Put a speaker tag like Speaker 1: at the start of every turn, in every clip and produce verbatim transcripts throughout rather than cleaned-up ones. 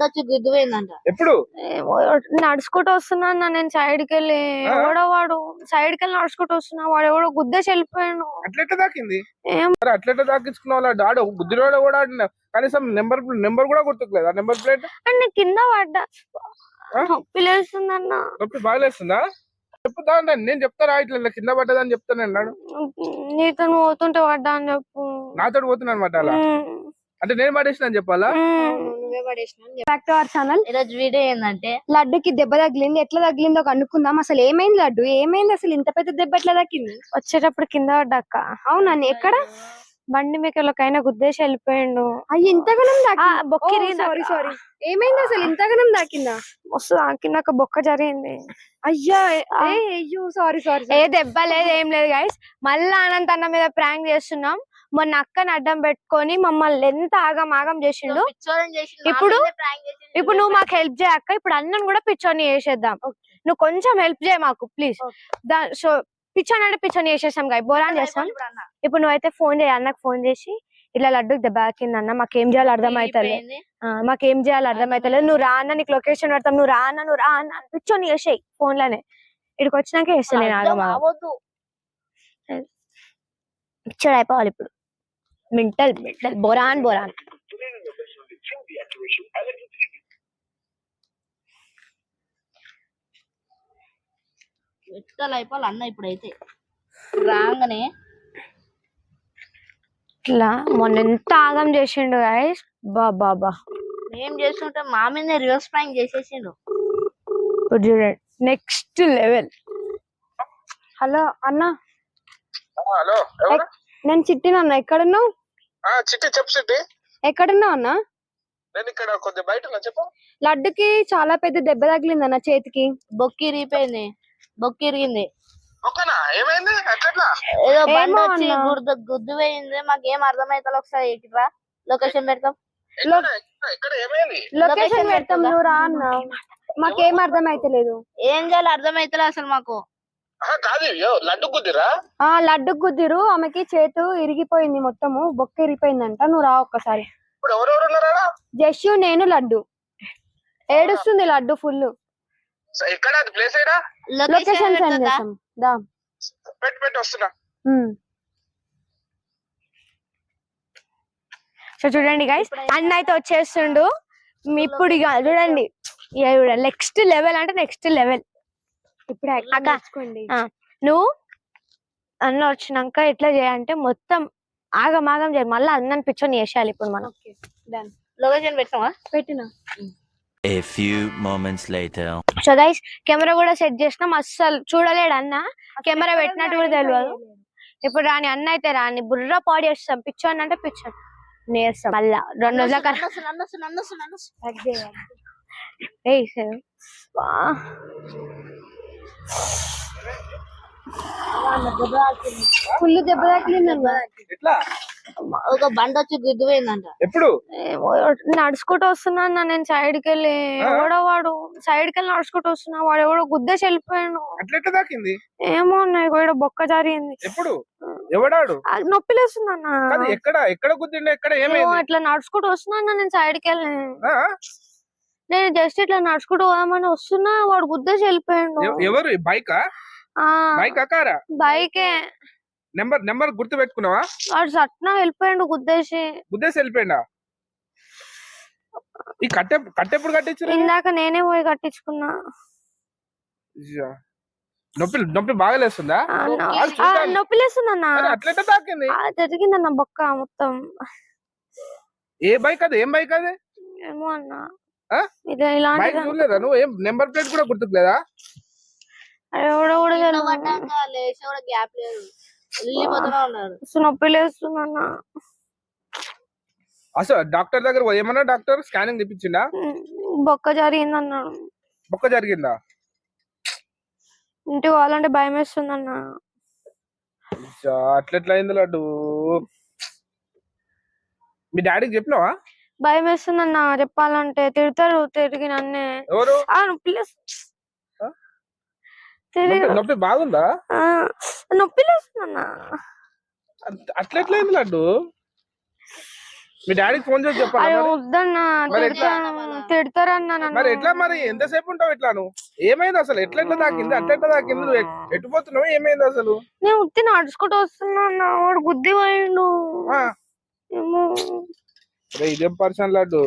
Speaker 1: వచ్చి గుద్దుపోయిందంట.
Speaker 2: ఎప్పుడు
Speaker 3: నడుచుకుంటూ వస్తున్నా అన్న నేను సైడ్ కి వెళ్ళి ఎవడో వాడు సైడ్ కి వెళ్ళి నడుచుకుంటూ వస్తున్నా వాడు ఎవడో గుద్దేసి వెళ్ళిపోయాను.
Speaker 2: అట్లెట్లా దాకింది అట్లెట్లా దాకించుకున్నావు డాడో గుద్దిరోడ కూడా ఆడినా కనీసం నెంబర్ నెంబర్ కూడా గుర్తుకులేదు ఆ నెంబర్ ప్లేట్
Speaker 3: అంటే కింద పడ్డా నొప్పి లేస్తుంది అన్న.
Speaker 2: నొప్పి బాగాలేస్తుందా చెప్పుతా నేను చెప్తారా ఇట్లా కింద పడ్డదని చెప్తాను అన్నాడు.
Speaker 3: నీతో పోతుంటే పడ్డా అని చెప్పు.
Speaker 2: నాతో పోతున్నా అనమాట అలా అంటే నేను పడేసిన అని చెప్పాలా.
Speaker 1: Back to our channel. ఈరోజు వీడియో ఏంటంటే
Speaker 4: లడ్డుకి దెబ్బ తగిలింది, ఎట్లా తగిలిందో కనుక్కుందాం. అసలు ఏమైంది లడ్డు, ఏమైంది అసలు ఇంత పెద్ద దెబ్బ ఎట్లా తగ్గింది?
Speaker 3: వచ్చేటప్పుడు కింద పడ్డాక.
Speaker 4: అవునా ఎక్కడ?
Speaker 3: బండి మీకైనా గుద్దేసి వెళ్ళిపోయిండు.
Speaker 4: అయ్యి ఇంతగానం
Speaker 3: బొక్కిరి.
Speaker 4: సారీ సారీ ఏమైంది అసలు ఇంతగానం దాకిందా?
Speaker 3: మస్తు దాకినాక బొక్క జరిగింది.
Speaker 4: అయ్యా అయ్యో సారీ సారీ.
Speaker 3: ఏ దెబ్బ లేదు ఏం లేదు గైస్. మళ్ళా అనంత అన్న మీద ప్రాంక్ చేస్తున్నాం. మొన్న అక్కని అడ్డం పెట్టుకొని మమ్మల్ని ఎంత ఆగం ఆగం చేసిండు. ఇప్పుడు ఇప్పుడు నువ్వు మాకు హెల్ప్ చేయక్క. ఇప్పుడు అన్నను కూడా పిచ్చోని చేసేద్దాం. నువ్వు కొంచెం హెల్ప్ చేయ మాకు ప్లీజ్. సో పిచ్చోని అంటే పిచ్చోని చేసేసాం గాయ బోరాన్ చేస్తాం. ఇప్పుడు నువ్వైతే ఫోన్ చేయ అన్నకు ఫోన్ చేసి ఇట్లా లడ్డుకి దెబ్బ తాకింది అన్న మాకేం చేయాలో అర్థం అవుతలేదు మాకేం చేయాలో అర్థం అవుతలేదు నువ్వు రా అన్న నీకు లొకేషన్ పెడతాం నువ్వు రా అన్న నువ్వు రా అన్న పిచ్చోని చేసేయి ఫోన్ లోనే. ఇక్కడికి వచ్చినాక చేస్తాను నేను ఆగమా పిచ్చోడు అయిపోవాలి ఇప్పుడు. మెంటల్ మెంటల్ బోరాన్ బోరాన్.
Speaker 1: ఎట్లా అయిపోవాలి అన్న ఇప్పుడైతే రాగానే
Speaker 3: ఇట్లా మొన్న ఎంత ఆగం చేసిండు గైస్. బా బాబా
Speaker 1: ఏం చేస్తుంటే మా మీద రివర్స్ ప్రాంక్ చేసేసిండు.
Speaker 3: ఇప్పుడు చూడండి నెక్స్ట్ లెవెల్.
Speaker 4: హలో అన్న.
Speaker 2: హలో
Speaker 4: నేను చిట్టినన్నా ఎక్కడున్నావు?
Speaker 2: చిట్టి చెప్పు చిట్టి.
Speaker 4: ఎక్కడున్నావు అన్న?
Speaker 2: నేను ఇక్కడ కొద్దిగా బయట ఉన్నా చెప్పు.
Speaker 4: లడ్డుకి చాలా పెద్ద దెబ్బ తగిలింది అన్న చేతికి.
Speaker 1: బొక్కి ఇరిగిపోయింది, బొక్కి ఇరిగింది.
Speaker 2: ఏమైంది
Speaker 1: ఏదో బండి వచ్చి గుర్దు గుద్దు పోయింది. మాకేం అర్థమైతే ఒకసారి ఎక్కిరా లొకేషన్ పెడతాం.
Speaker 4: లొకేషన్ పెడతాం నువ్వు రా అన్న. మాకేం అర్థం అయితలేదు.
Speaker 1: ఏం చేయాలి అర్థమైతలేదు అసలు మాకు.
Speaker 2: లడ్డు గుద్దిరా?
Speaker 4: ఆ లడ్డు గుద్దిరు. ఆమెకి చేతు ఇరిగిపోయింది మొత్తము, బొక్క ఇరిగిపోయిందంట. నువ్వు రా ఒక్కసారి. జస్సు నేను లడ్డు. ఏడుస్తుంది లడ్డు ఫుల్. లొకేషన్ సెండ్ చేస్తాం దా.
Speaker 3: సో చూడండి గైస్ అన్న అయితే వచ్చేస్తుండు. ఇప్పుడు ఇక చూడండి నెక్స్ట్ లెవెల్ అంటే నెక్స్ట్ లెవెల్.
Speaker 4: ఇప్పుడు
Speaker 3: నువ్వు అన్న వచ్చినాక ఎట్లా చేయాలంటే మొత్తం ఆగం ఆగం చేయాలి. మళ్ళీ అన్నని పిచ్చోని చేసేయాలి ఇప్పుడు మనం.
Speaker 1: లొకేషన్ పెట్టావా?
Speaker 4: పెట్టినా.
Speaker 5: A few moments later.
Speaker 3: So guys camera కూడా సెట్ చేసినాం. అస్సలు చూడలేడు అన్న, కెమెరా పెట్టినట్టు కూడా తెలియదు. ఇప్పుడు రాని అన్న అయితే రాని బుర్ర పాడు చేస్తాం. పిచ్చోని అంటే పిచ్చోని నేస్తాం. మళ్ళా రెండు రోజుల
Speaker 4: ఫుల్ దెబ్బ తాకిందన్న.
Speaker 1: ఒక బండి వచ్చి గుద్దుపోయిందంట.
Speaker 2: ఎప్పుడు
Speaker 3: నడుచుకుంటూ వస్తున్నా అన్న నేను సైడ్ కి వెళ్ళి ఎవడో వాడు సైడ్ కి వెళ్ళి నడుచుకుంటూ వస్తున్నా వాడు ఎవడో గుద్దేసి వెళ్ళిపోయాను.
Speaker 2: అట్లెట్లా దాకింది?
Speaker 3: ఏమో అన్న ఇక్కడ బొక్క జరిగింది.
Speaker 2: ఎప్పుడు ఎవడాడు?
Speaker 3: నొప్పి లేస్తుంది అన్న.
Speaker 2: ఎక్కడ ఎక్కడ గుద్దిండే? ఎక్కడ ఏమైంది?
Speaker 3: ఇట్లా నడుచుకుంటూ వస్తున్నా అన్న నేను సైడ్ కి వెళ్ళి. నేను జస్ట్ ఇట్లా నడుచుకుంటూ పోదామని వస్తున్నా వాడు గుద్దేసి వెళ్ళిపోయాడు.
Speaker 2: ఎవరు? బైకా? బైక్ కారా?
Speaker 3: బైకే.
Speaker 2: నెంబర్ నెంబర్ గుర్తు పెట్టుకున్నావా?
Speaker 3: వాడు సట్నా వెళ్ళిపోయాడు గుద్దేసి.
Speaker 2: గుద్దేసి వెళ్ళిపోయిందా? ఈ కట్టె కట్టెప్పుడు కట్టించారు?
Speaker 3: ఇందాక నేనే పోయి కట్టించుకున్నా.
Speaker 2: నొప్పి నొప్పి బాగా లేస్తుందా?
Speaker 3: నొప్పి లేస్తుంది అన్న.
Speaker 2: అట్లెట్లా తాకింది?
Speaker 3: జరిగిందన్న బొక్క మొత్తం.
Speaker 2: ఏ బైక్ అది? ఏం బైక్ అది?
Speaker 3: ఏమో అన్న
Speaker 2: బైక్ చూడలేదా నువ్వు? ఏం నెంబర్ ప్లేట్ కూడా గుర్తుకులేదా?
Speaker 1: గ్యాప్ లేదు,
Speaker 3: నొప్పి లేస్తుంది అన్న.
Speaker 2: అసలు డాక్టర్ దగ్గర ఏమన్నా డాక్టర్ స్కానింగ్ తెప్పించిందా?
Speaker 3: బొక్క జరిగింది అన్నాడు.
Speaker 2: బొక్క జరిగిందా?
Speaker 3: ఇంటికి పోవాలంటే భయం వేస్తుంది అన్న.
Speaker 2: అట్లెట్లా అయింది లడ్డు? మీ డాడీకి చెప్పినావా?
Speaker 3: భయం వేస్తుంది అన్న చెప్పాలంటే. తిడతారు తిరిగి నన్నే.
Speaker 2: ఎవరు?
Speaker 3: నొప్పి
Speaker 2: నొప్పి బాగుందా?
Speaker 3: నొప్పి లేస్తుంది అన్న.
Speaker 2: అట్లెట్లా అయింది లడ్డు? మీ డాడీకి ఫోన్ చేసి చెప్పాలా
Speaker 3: అరే
Speaker 2: మరి?
Speaker 3: వద్దన్నా
Speaker 2: మరి ఎట్లా?
Speaker 3: తిడతా- తిడతారన్నా నన్ను.
Speaker 2: మరి ఎట్లా మరి ఎంతసేపు ఉంటావు ఇట్లా నువ్వు? ఏమైంది అసలు? ఎట్లా ఎట్లా తాకింది? అట్లా ఎట్లా తాకింది? నువ్వు ఎట్- ఎటు పోతున్నావు? ఏమైంది అసలు?
Speaker 3: నేను ఉత్తి నడుచుకుంటూ వస్తున్నా అన్న, వాడు గుద్ది పోయిండు.
Speaker 2: ఆ,
Speaker 3: ఏమో
Speaker 2: అరే ఇదేం పర్సన్ లడ్డు.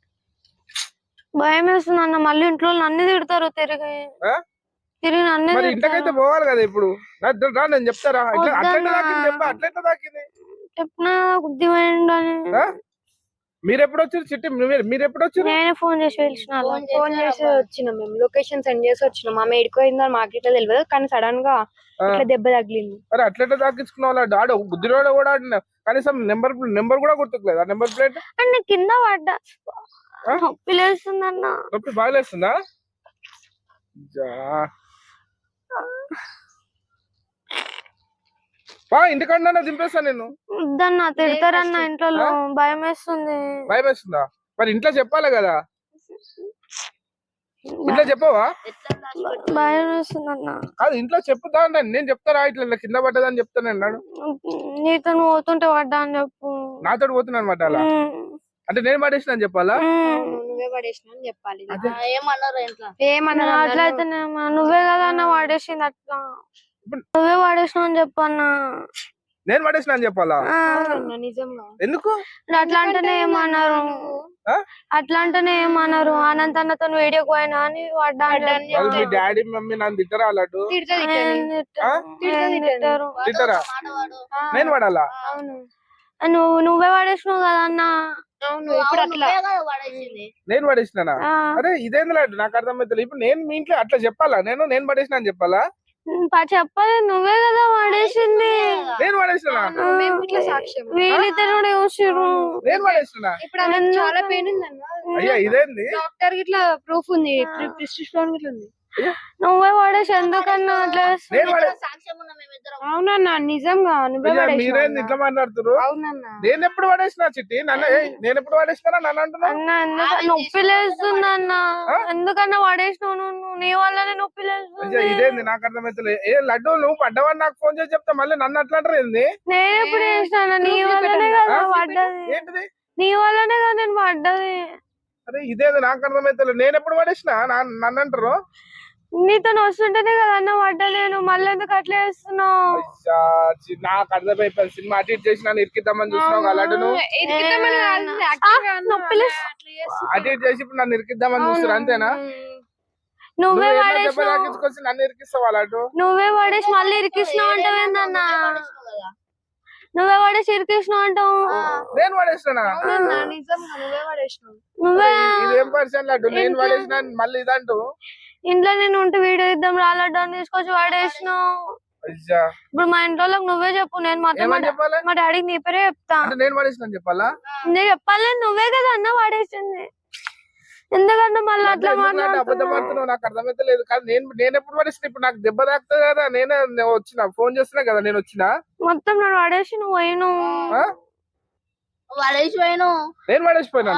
Speaker 3: భయం వేస్తుంది అన్న, మళ్ళీ ఇంట్లో నన్ను తిడతారు తిరిగి
Speaker 2: ఆ?
Speaker 3: తిరిగి నన్ను
Speaker 2: మరి ఇంటికైతే పోవాలి కదా ఇప్పుడు. రా, రా, నేను చెప్తారా ఇట్లా అట్లా ఎట్లా తాకింది చెప్పా, అట్లా ఎట్లా తాకింది?
Speaker 3: చెప్పిన గుద్ది పోయిండు అని.
Speaker 2: ఆ? మీరు ఎప్పుడు వచ్చారు చిట్టి? మీరు మీరు ఎప్పుడు వచ్చారు?
Speaker 3: నేనే ఫోన్ చేసి పిలిచిన అలా.
Speaker 4: ఫోన్ చేసి వచ్చినాం మేము, లొకేషన్ సెండ్ చేసి వచ్చినాం. ఆమె ఎడిపోయిందని మాకు ఇట్లా తెలియదు, కానీ సడన్ గా ఇట్లా దెబ్బ తగిలింది.
Speaker 2: మరి అట్లా ఎట్లా తాకించుకున్నావు డాడీ? బుద్ధిలోడ కూడా ఆడినా కనీసం నెంబర్ నెంబర్ కూడా గుర్తుకులేదు. ఆ నెంబర్ ప్లేట్
Speaker 3: అంటే కింద పడ్డా, నొప్పి లేస్తుందన్న.
Speaker 2: నొప్పి బాగలేస్తుందా? జా. బా ఇంటికన్నా దింపేస్తా నేను.
Speaker 3: వద్దన్న తిడతారన్న ఇంట్లో, భయం వేస్తుంది.
Speaker 2: భయం వేస్తుందా? మరి ఇంట్లో చెప్పాలి కదా. ఇంట్లో చెప్పవా?
Speaker 3: భయం వేస్తుంది అన్న.
Speaker 2: అది ఇంట్లో చెప్పుతా అంటాను. నేను చెప్తారా ఇట్లా ఇలా కింద పడ్డదని చెప్తాను అన్నాడు.
Speaker 3: నీతో పోతుంటే పడ్డా అని చెప్పు.
Speaker 2: నాతో పోతున్నా అనమాట అలా. అంటే నేను పడేసిన అని చెప్పాలా?
Speaker 4: నువ్వే పడేసిన అని చెప్పాలి.
Speaker 1: ఏమన్నారు ఇంట్లో?
Speaker 4: ఏమన్నా
Speaker 3: అట్లయితే నువ్వే కదా అన్న వాడేసింది, అట్లా నువ్వే వాడేసినావు అని చెప్పన్నా.
Speaker 2: నేను పడేసిన అని చెప్పాలా?
Speaker 4: నిజంగా
Speaker 2: ఎందుకు
Speaker 3: అట్లా అంటేనే ఏమన్నారు, అట్లా అంటేనే ఏమన్నారు. అనంత అన్నతో వీడియో పోయినా అని పడ్డా అని
Speaker 2: వాళ్ళు మీ డాడీ మమ్మీ నన్ను తిట్టరా అన్నట్టు?
Speaker 3: తిట్టారు.
Speaker 2: తిట్టరా? నేను పడాలా?
Speaker 3: నువ్వు నువ్వే వాడేసినావు కదా అన్న.
Speaker 4: అవును, ఇప్పుడు అట్లా
Speaker 2: నేను పడేసినానా? అరే ఇదేంది లాంటి నాకు అర్థమైతే. ఇప్పుడు నేను మీ ఇంట్లో అట్లా చెప్పాలా? నేను నేను పడేసిన అని చెప్పాలా?
Speaker 3: చెప్పాలి, నువ్వే కదా వాడేసింది.
Speaker 2: నేను పడేసినా?
Speaker 4: ఇట్లా సాక్ష్యం
Speaker 3: వీళ్ళిద్దరు కూడా చూసిర్రు.
Speaker 2: నేను పడేసినా?
Speaker 4: ఇప్పుడు ఆమెకు చాలా పెయిన్ ఉందన్న.
Speaker 2: అయ్యా ఇదేంది?
Speaker 4: డాక్టర్ ఇట్లా ప్రూఫ్ ఉంది, ప్రిస్క్రిప్షన్ ఇట్లా ఉంది.
Speaker 3: నువ్వే వాడేసి ఎందుకన్నా అట్లా
Speaker 2: నేను పడే
Speaker 4: అవునన్నా, నిజంగా నువ్వే
Speaker 2: అయ్యా,
Speaker 4: పడేసినావు
Speaker 2: మీరేంది
Speaker 4: అన్న.
Speaker 2: ఇట్లా మాట్లాడుతున్నారు?
Speaker 4: అవునన్నా,
Speaker 2: నేను ఎప్పుడు పడేసినా చిట్టి? నన్ను ఏయ్, నేను ఎప్పుడు పడేసినా నన్ను అంటున్నా?
Speaker 3: అన్న ఎందుకు నొప్పి లేస్తుంది అన్న? ఎందుకన్నా వాడేసినావు నువ్వు? నీ వల్లనే నొప్పి లేస్తుంది.
Speaker 2: అయ్యా ఇదేంది నాకు అర్థమైతే. ఏ లడ్డు నువ్వు పడ్డవని నాకు ఫోన్ చేసి చెప్తా మళ్ళీ నన్ను అట్లా అంటారు ఏంది?
Speaker 3: నేను ఎప్పుడు చేసినా? నీ వల్లనే కదా పడ్డది,
Speaker 2: ఏంటిది?
Speaker 3: నీ వల్లనే కదా నేను పడ్డది.
Speaker 2: అరే ఇదేంది నాకు అర్థమైతే. నేను ఎప్పుడు పడేసినా నన్ను అంటారు?
Speaker 3: నీతో వస్తుంటేనే కదా అన్న పడ్డా నేను. మళ్ళీ ఎందుకు అట్లా చేస్తున్నావు?
Speaker 2: అయ్యా, చి- నాకు అర్థమైపోయింది. సినిమా అటు ఇటు చేసి నన్ను ఇరికిద్దామని చూసినావు కదా లడ్డు నువ్వు.
Speaker 4: ఇరికిద్దామని కాదు, actually గా అన్న.
Speaker 3: నొప్పి లేస్తుంది.
Speaker 4: అట్లా చేస్తు-
Speaker 2: అటు ఇటు చేసి ఇప్పుడు నన్ను ఇరికిద్దామని చూస్తారు అంతేనా?
Speaker 3: నువ్వే
Speaker 2: నువ్వు
Speaker 3: వాడేసినావు,
Speaker 2: తాకించుకొచ్చి నన్ను ఇరికిస్తావా లడ్డు?
Speaker 3: నువ్వే వాడేసి మళ్ళీ ఇరికిస్తున్నావు అంటావు ఏందన్నా? నువ్వే వాడేసి ఇరికిస్తున్నావు అంటావు.
Speaker 2: నేను పడేసినా?
Speaker 4: అవునన్నా, నిజంగా నువ్వే పడేసినావు.
Speaker 3: నువ్వే
Speaker 2: ఇదేం పరిచయం లడ్డు? నేను పడేసిన మళ్ళీ ఇదంటూ.
Speaker 3: ఇంట్లో నేను ఉంటే వీడియో ఇద్దాం రాలడ్డా అని తీసుకొచ్చి వాడేసినావు.
Speaker 2: అయ్యా
Speaker 3: ఇప్పుడు మా ఇంట్లో వాళ్ళకి నువ్వే చెప్పు, నేను మాత్రం
Speaker 2: ఏమని చెప్పాలి?
Speaker 3: మా డాడీకి నీ పేరే చెప్తా.
Speaker 2: అంటే నేను పడేసిన చెప్పాలా?
Speaker 3: నేను చెప్పాలి, నువ్వే కదా అన్న వాడేసింది. ఎందుకంటే మళ్ళీ అట్లా
Speaker 2: ఎందుకు లాంటి అబద్ధం
Speaker 3: మాట్లాడుతున్నావు.
Speaker 2: పడుతున్నావు? నాకు అర్థమైతే లేదు. కానీ నేను నేను ఎప్పుడు పడేసిన? ఇప్పుడు నాకు దెబ్బ తాకుతుంది కదా. నేనే నేను వచ్చిన ఫోన్ చేస్తున్నా కదా నేను వచ్చిన.
Speaker 3: మొత్తం నేను వాడేసి నువ్వు పోయిను.
Speaker 2: ఆ?
Speaker 1: వాడేసి పోయాను.
Speaker 2: నేను పడేసిపోయినా?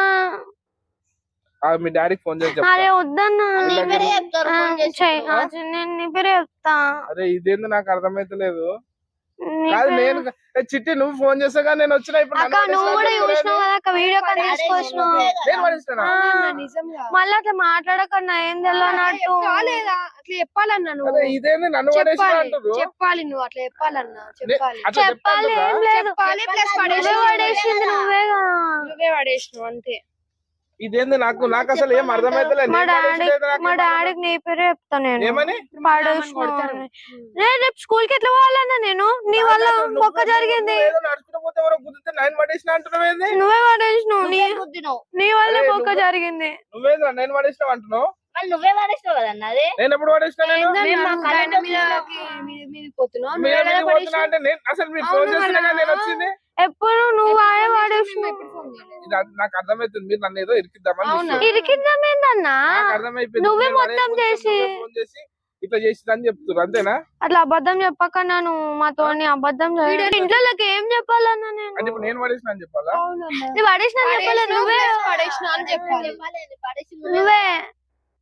Speaker 2: మీ డాడీకి ఫోన్ చేసి చెప్తా.
Speaker 3: అరే వద్దన్నా,
Speaker 1: నీ పేరే చెప్తారు ఫోన్ చేసి.
Speaker 3: చెయ్, ఆ, నేను నీ పేరే చెప్తా.
Speaker 2: అరే ఇదేంది నాకు అర్థమైతే లేదు.
Speaker 3: నీ
Speaker 2: కాదు
Speaker 3: పేరే-
Speaker 2: నేను ఏ చిట్టి నువ్వు ఫోన్ చేసాగా నేను వచ్చిన. ఇప్పుడు
Speaker 3: అక్క నువ్వు కూడా చూసినావు కదా అక్క, వీడియో కాల్ తీసుకొచ్చినావు.
Speaker 2: నేను పడేసినా?
Speaker 4: నిజంగా
Speaker 3: మళ్ళీ అట్లా మాట్లాడకన్నా ఏం తెలియనట్టు.
Speaker 4: కాలేదా? అట్లా చెప్పాలన్నా నువ్వు.
Speaker 2: అరే ఇదేంది నన్ను పడేసిన
Speaker 4: చెప్పాలి
Speaker 2: అంటారు?
Speaker 4: చెప్పాలి నువ్వు అట్లా చెప్పాలన్నా, చెప్పాలి
Speaker 2: అట్లా
Speaker 3: చెప్పాలి
Speaker 2: చెప్తాను
Speaker 3: ఏం లేదు.
Speaker 4: చెప్పాలి, ప్లస్
Speaker 3: నువ్వే
Speaker 4: పడేసి
Speaker 3: పడేసింది నువ్వే కదా.
Speaker 4: నువ్వే పడేసినావు అంతే.
Speaker 2: ఇదేంది నాకు నాకు అసలు ఏం అర్థమైతే లేదు.
Speaker 3: మా
Speaker 2: నేను
Speaker 3: డాడీ
Speaker 2: పడేసిలేదు నాకు
Speaker 3: మా
Speaker 2: ఏం
Speaker 3: డాడీకి నీ పేరే చెప్తా నేను.
Speaker 2: ఏమని?
Speaker 3: పడేసినావు అని. రే రేపు స్కూల్ కి ఎట్లా పోవాలన్నా నేను? నీ వల్ల
Speaker 2: నువ్వు-
Speaker 3: మొక్క జరిగింది.
Speaker 2: నువ్వు ఏదో నడుచుకుంటూ పోతే ఎవరో గుద్దితే నేను పడేసిన అంటున్నావు ఏంది?
Speaker 3: నువ్వే పడేసినావు, నీ
Speaker 1: గుద్దినావు.
Speaker 3: నీ వల్ల
Speaker 2: అరే
Speaker 3: మొక్క
Speaker 2: నువ్వు-
Speaker 3: జరిగింది.
Speaker 2: నువ్వేదో నేను పడేసినావు అంటున్నావు?
Speaker 1: మళ్ళీ నువ్వే వాడేసినావు కదన్న అది.
Speaker 2: నేను ఎప్పుడు పడేసినా? నేను
Speaker 4: మేము మా
Speaker 1: ఏందన్నా?
Speaker 4: కరెంట్ మీదకి మీద- మీదకి పోతున్నాం.
Speaker 2: మీరు
Speaker 4: నువ్వే
Speaker 2: ఎక్కడికి
Speaker 4: కదా
Speaker 2: పోతున్నా అంటే నేను అసలు మీరు ఫోన్
Speaker 4: అవును
Speaker 2: చేస్తున్నా
Speaker 4: మళ్ళా.
Speaker 2: నేను వచ్చింది.
Speaker 3: ఎప్పుడు నువ్వు వాడే
Speaker 4: మేము
Speaker 3: వాడేసినావు.
Speaker 4: ఎప్పుడు ఫోన్ చేయలేదు.
Speaker 2: ఇది అది నాకు అర్థమైతుంది. మీరు నన్ను ఏదో ఇరికిద్దామని
Speaker 4: అవునా?
Speaker 2: చూస్తున్నారు.
Speaker 3: ఇరికిద్దామేందన్నా?
Speaker 2: నాకు అర్థమైపోయింది.
Speaker 3: నువ్వే
Speaker 2: నేను అరే
Speaker 3: మొత్తం
Speaker 2: కొంచెం
Speaker 3: చేసి.
Speaker 2: నువ్వే ఫోన్ చేసి ఇట్లా చేసిందని చెప్తున్నారు అంతేనా?
Speaker 3: అట్లా అబద్ధం చెప్పకన్నా నువ్వు మాతో అబద్ధం చేయడు. ఇంట్లో ఏం చెప్పాలన్నా నేను?
Speaker 2: అంటే ఇప్పుడు నేను పడేసిన అని చెప్పాలా?
Speaker 4: అవునన్నా.
Speaker 3: నువ్వు పడేసిన చెప్పాలి,
Speaker 4: పడేసినావు,
Speaker 3: నువ్వే
Speaker 4: ప్లస్ పడేసినావు అని చెప్పాలి.
Speaker 1: చెప్పాలి, అది పడేసి
Speaker 3: నువ్వే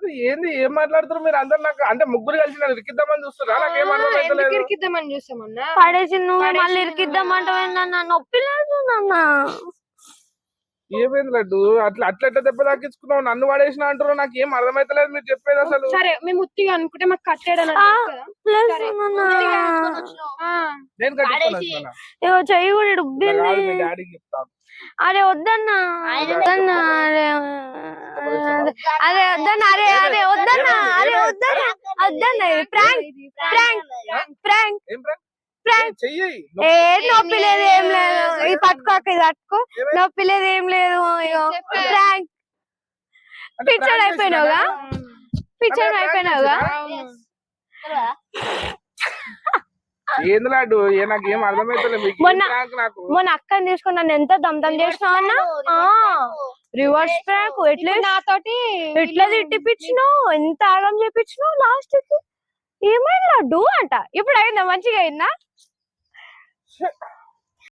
Speaker 2: అరే ఏంది ఏం మాట్లాడుతున్నారు మీరు అందరు? నాకు అంటే ముగ్గురు కలిసి నన్ను ఇరికిద్దామని చూస్తున్నా, నాకేం అర్థమైతలేదు.
Speaker 4: ఇరికిద్దామని చూసామన్నా
Speaker 3: పడేసి నువ్వు మళ్ళీ ఇరికిద్దామంటావేందన్నా? నొప్పి లేదు నాన్న.
Speaker 2: ఏమైంది లడ్డు? అట్లా అట్లా ఎట్లా దెబ్బ తాకించుకున్నావు? నన్ను పడేసిన అంటారు, నాకు ఏం అర్థమైతలేదు మీరు చెప్పేది అసలు.
Speaker 4: సరే మేము ఉత్తిగా అనుకుంటే మాకు కట్టాడని
Speaker 3: ఆ,
Speaker 4: కదా
Speaker 3: ప్లస్
Speaker 4: సరే.
Speaker 3: నాన్న.
Speaker 2: నేను కట్టించుకున్నా.
Speaker 3: ఏవో చెయ్యి కూడా డుబ్బింది.
Speaker 2: మీ డాడీకి చెప్తాను.
Speaker 3: అరే వద్దన్నా వద్దన్నా అరే అరే వద్దన్నా అరే అరే వద్దన్నా అరే వద్దన్నా వద్దన్నా ప్రాంక్ ప్రాంక్ ప్రాంక్
Speaker 2: ఏం ప్రాంక్?
Speaker 3: ప్రాంక్
Speaker 2: చెయ్యి.
Speaker 3: ఏ నొప్పి లేదు ఏం లేదు. ఇది పట్టుకోక ఇది పట్టుకో. నొప్పి లేదు ఏం లేదు. ప్రాంక్
Speaker 2: అంటే
Speaker 3: పిచ్చోడు
Speaker 2: prank
Speaker 3: అయిపోయినావుగా
Speaker 2: చేసినానా?
Speaker 3: పిచ్చోడు
Speaker 2: అంటే prank
Speaker 3: అయిపోయినావుగా
Speaker 2: చేసినా? ఏంది లడ్డు? ఏ నాకు ఏం అర్థమైతలేదు. మీకు ఏం
Speaker 3: మొన్న-
Speaker 2: prank నాకు?
Speaker 3: మొన్న అక్కని తీసుకుని నన్ను ఎంత దమ్దం చేసినావు అన్న. రివర్స్ ప్రాంక్ ఎట్లా
Speaker 4: నాతోటి
Speaker 3: ఎట్లా తిట్టిపించినావు, ఎంత ఆగం చేపించినావు లాస్ట్ కి. ఏమైంది లడ్డు అంట. ఇప్పుడు అయిందా? మంచిగా అయిందా?